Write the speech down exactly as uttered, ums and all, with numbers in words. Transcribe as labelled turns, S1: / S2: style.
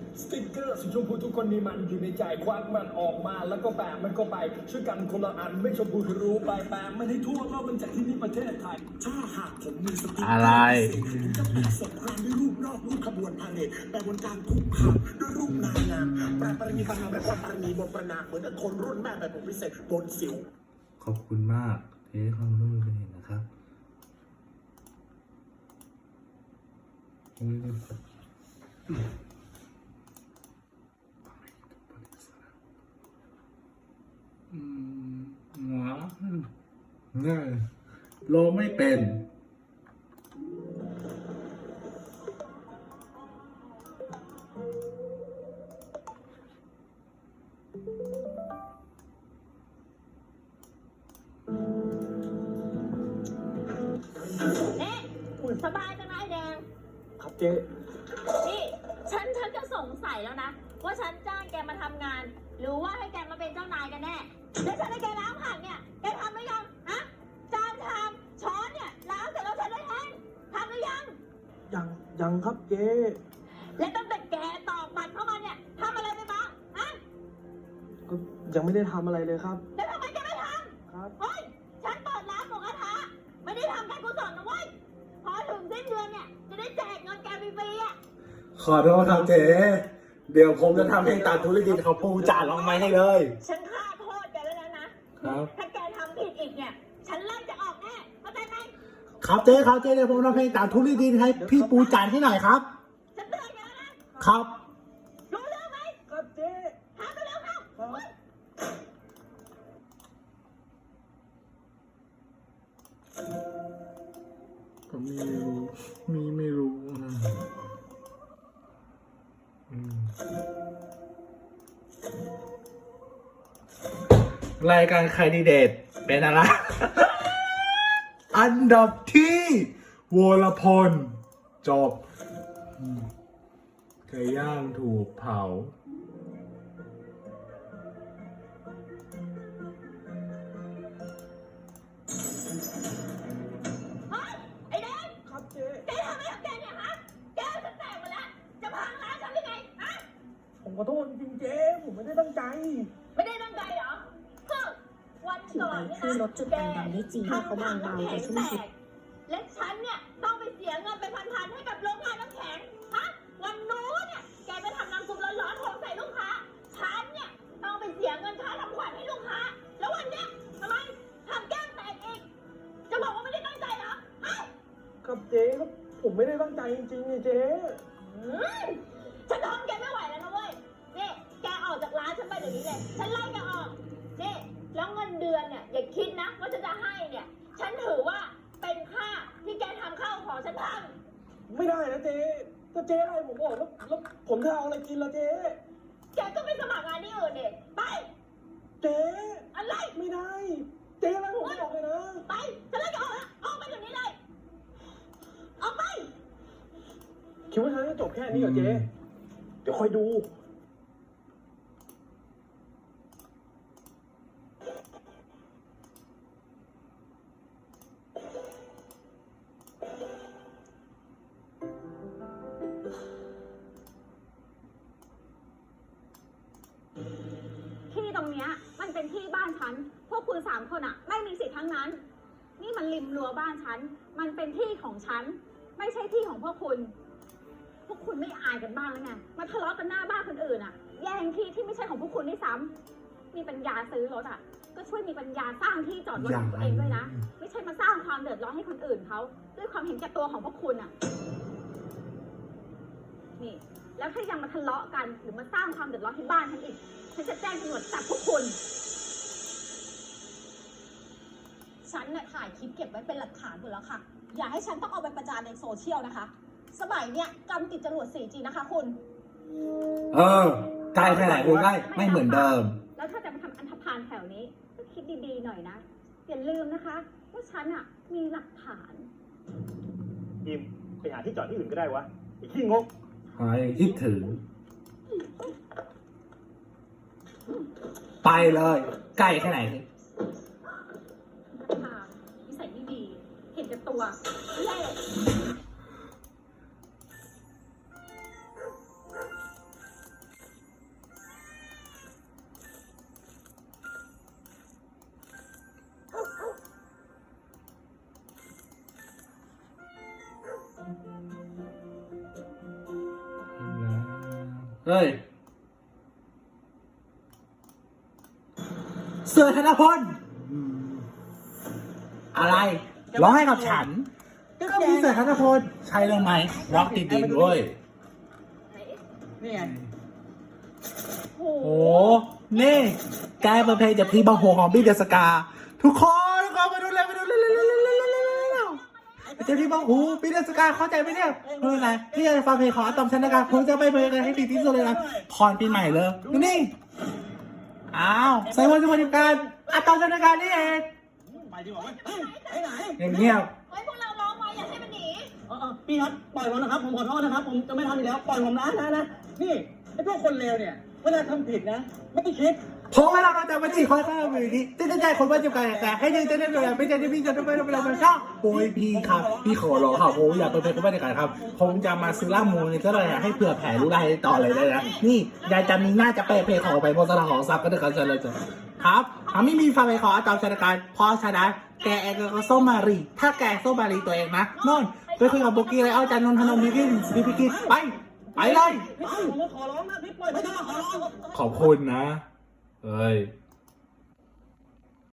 S1: สติ๊กเกอร์สีชมพูทุกคนมีมันอยู่ในใจควักมันออกมาแล้วก็แปะมันก็ไปช่วยกันคนละอันไม่ชมพูรู้ไปแปะมันให้ทั่วโลกมันจากที่นี่ประเทศไทยถ้าหากผมมีสติ๊กเกอร์
S2: อะไร
S1: ผมจะแปะส่งรางด้วยรูปนอกรูปขบวนพาเหรดแปะบนการคุกคามด้วยรูปนางงามแปะปรณีประนามแบบคนปรณีบนประนามเหมือนกับคนรุ่นแม่แบบผมพิเศษบนสิว
S2: ขอบคุณมากที่ให้ความร่วมมือกันเห็นนะครับอืมว้าวง่ายรอไม่เป็น
S3: นี่สบายจังนะไอ้แดง
S1: ครับเจ๊
S3: นี่ฉันฉันจะสงสัยแล้วนะว่าฉันจ้างแกมาทำงาน หรือว่าให้แกมาเป็นเจ้านายกันแน่แล้วฉันให้แกล้างผักเนี่ยแกทำหรือยังฮะจานชามช้อนเนี่ยล้างเสร็จแล้วฉันได้แทนทำหรือยัง
S1: ยังยังครับเจ๊
S3: และตั้งแต่แกตอกบัตรเข้ามาเนี่ยทำอะไรไปบ้างฮะ
S1: ก็ยังไม่ได้ทำอะไรเลยครับ
S3: แล้วทำไมแกไม่ท
S1: ครับ
S3: ำเฮ้ยฉันเปิดร้านหมูกระทะไม่ได้ทำการกุศลนะเว้ยพอถึงสิ้นเดือนเนี่ยจะได้แจกเงินแกฟรีๆอ่ะ
S2: ขอโทษครับเจ๊เดี๋ยวผมจะทำเพลงตามธุรกิจเขาปูจ่าลองไม้ให้เลย
S3: ฉันฆ่าโทษแกแล้วนะครับ ถ้าแกทำผิดอีกเนี่ยฉันไล่จะออกแน่เข้าใจไหม
S2: ครับเจ๊ครับเจ๊เดี๋ยวผมทำเพลงตามธุรกิจให้พี่ปูจ่าให้หน่อยครับ
S3: ฉันเตือนแกแล้วนะครับ รู้เรื่องไหม
S1: ครับเจ๊
S3: หาไปเร็วเข้าเฮ้ย
S2: ผมมีไม่รู้มีไม่รู้อืมรายการใครดีเดทเป็นอะไร อันดับที่วรพลจบอืมไก่ย่างถูกเผา
S3: เฮ้ยไอ้แดง
S1: ครับเจ๊
S3: แกทำอะไรกับแกเนี่ยฮะแกจะแตกหมดแล้วจะพังร้านฉันหรือไงฮะ
S1: ผมขอโทษจริงๆเจ๊ผมไม่ได้ตั้งใจ
S3: ไม่ได้ตั้งใจเหรอเฮ้ยวันก่อนเนี่ย
S4: ที่
S3: นะ
S4: ลดจุดด่างดำได้จริงที่เขาบางเบาแต่ชุ่มชื้น
S3: และฉันเนี่ยต้องไปเสียเงินเป็นพันๆให้กับโรงงานน้ำแข็งฮะวันนู้นเนี่ยแกไปทำน้ำซุปร้อนๆของใส่ลูกค้าฉันเนี่ยต้องไปเสียเงินค่าทำขวัญให้ลูกค้า แล้ววันเนี้ยทำไมทำแก้มแตกอีกจะบอกว่าไม่ได้ตั้งใจเหรอฮะ
S1: ครับเจ๊ครับผมไม่ได้ตั้งใจจริงๆเนี่ยเจ๊
S3: อืมฉันทนแกไม่ไหวแล้วนะเว้ยนี่แกออกจากร้านฉันไปเดี๋ยวนี้เลยฉันไล่แกออกนี่แล้วเงินเดือนเนี่ยอย่าคิดนะว่าฉันจะให้เนี่ย ฉันถือว่าเป็นค่าที่แกทำข้าวของฉันทำ
S1: ไม่ได้นะเจ๊ถ้าเจ๊ให้ผมบอกแล้วแล้วผมจะเอาอะไรกินล่ะเจ๊
S3: แกก็ไปสมัครงานที่อื่นเด็ไป
S1: เจ๊
S3: อะไร
S1: ไม่ได้ เจ๊อะไรผมไม่บอกเลยนะ
S3: ไปฉันไล่แกออกแล้วออกไปเดี๋ยวนี้เลยออกไป
S1: คิดว่าฉันจะจบแค่นี้เหรอเจ๊เดี๋ยวคอยดู
S3: ที่ตรงเนี้ยมันเป็นที่บ้านฉัน พวกคุณสามคนอะไม่มีสิทธิ์ทั้งนั้น นี่มันริมรั้วบ้านฉัน มันเป็นที่ของฉัน ไม่ใช่ที่ของพวกคุณ พวกคุณไม่อายกันบ้างแล้วไง มาทะเลาะกันหน้าบ้านคนอื่นอะแย่งที่ที่ไม่ใช่ของพวกคุณด้วยซ้ำมีปัญญาซื้อรถอะก็ช่วยมีปัญญาสร้างที่จอดรถของตัวเองด้วยนะ ไม่ใช่มาสร้างความเดือดร้อนให้คนอื่นเขาด้วยความเห็นแก่ตัวของพวกคุณอะนี่ แล้วถ้ายังมาทะเลาะกันหรือมาสร้างความเดือดร้อนให้บ้านฉันอีก ฉันจะแจ้งตำรวจจับพวกคุณ
S4: ฉันน่ะถ่ายคลิปเก็บไว้เป็นหลักฐานหมดแล้วค่ะ อย่าให้ฉันต้องเอาไปประจานในโซเชียลนะคะ สมัยเนี้ยกำติดจรวด โฟร์จี นะคะคุณ
S2: เออใกล้แค่ไหนคุณใกล้ไม่เหมือนเดิม
S3: แล้วถ้าจะมาทำอันธพาลแถวนี้ก็คิดดีๆหน่อยนะ อย่าลืมนะคะว่าฉันอะมีหลักฐาน
S1: ยิมไปหาที่จอดที่อื่นก็ได้วะไอ้ขี้งก
S2: หายคิดถึง ไปเลยใกล้แค่ไหน
S3: ทางนิสัยไม่ดี เห็นแก่ตัวเล่ห์
S2: เฮ้ย เสือธนพลอะไร ร้องให้กับฉัน ก็มีเสือธนพลใช่หรือไม่ร็อกติดดินเว้ย
S5: นี่ไง
S3: โอ้
S2: โอ้นี่แกเป็นเพลงจากพี่บางโฮของพี่เดอะสกา ทุกคนทุกคนมาดูเลยมาดูเลยเลยเลยเลยเลยเลยเจ้าพี่บางโฮพี่เดอะสกาเข้าใจไหมเนี่ยเมื่อไหร่ที่จะฟังเพลงของอะตอมชนกาผมจะไปเพลงกันให้ดีที่สุดเลยนะพรปีใหม่เลยดูนี่อ้าวใส่วันสวัสดิการอะตอมชนกานี่เอง
S5: ไปดีกว่าเว้ยเฮ้ยไปไหน
S2: เงียบ
S3: เฮ้ยพวกเราร้องไว้อย่าให้มันหนี
S5: เออเออพี่ครับ ปล่อยผมนะครับ ผมขอโทษนะครับ ผมจะไม่ทำอีกแล้ว ปล่อยผมนะนะนะ นี่ไอ้พวกคนเลวเนี่ย เวลาทำผิดนะ ไม่ต้องคิด
S2: ๆผมให้เราจะมาจีคอยข้าวแบบนี้จะใจคนว่าจะกันแต่ให้ยังจะได้เลยไม่ใช่ที่พี่จะต้องไปต้องไปเราไปชอบโอ้ยพี่ครับพี่ขอร้องครับผมอยากเป็นคนบรรยากาศครับผมจะมาซื้อล่ามูลก็เลยให้เผื่อแผ่รู้ได้ต่อเลยได้นะนี่ยายจันมีน่าจะเปย์เพย์ของไปโพสต์ของซับก็ได้กันเลยจ้ะครับถ้าไม่มีฟังไปขออาจารย์ชนการพอชนะแกเองก็ส้มมารีถ้าแกส้มมารีตัวเองนะนนไปคุยกับโบกี้เลยเอาอาจารย์นนทนนท์พี่พี่พี่พี่ไปไปเลย
S5: พี่ผมขอร้องนะพี่ปล่อยผมนะขอร้อง
S2: ขอบคุณนะเอ้ย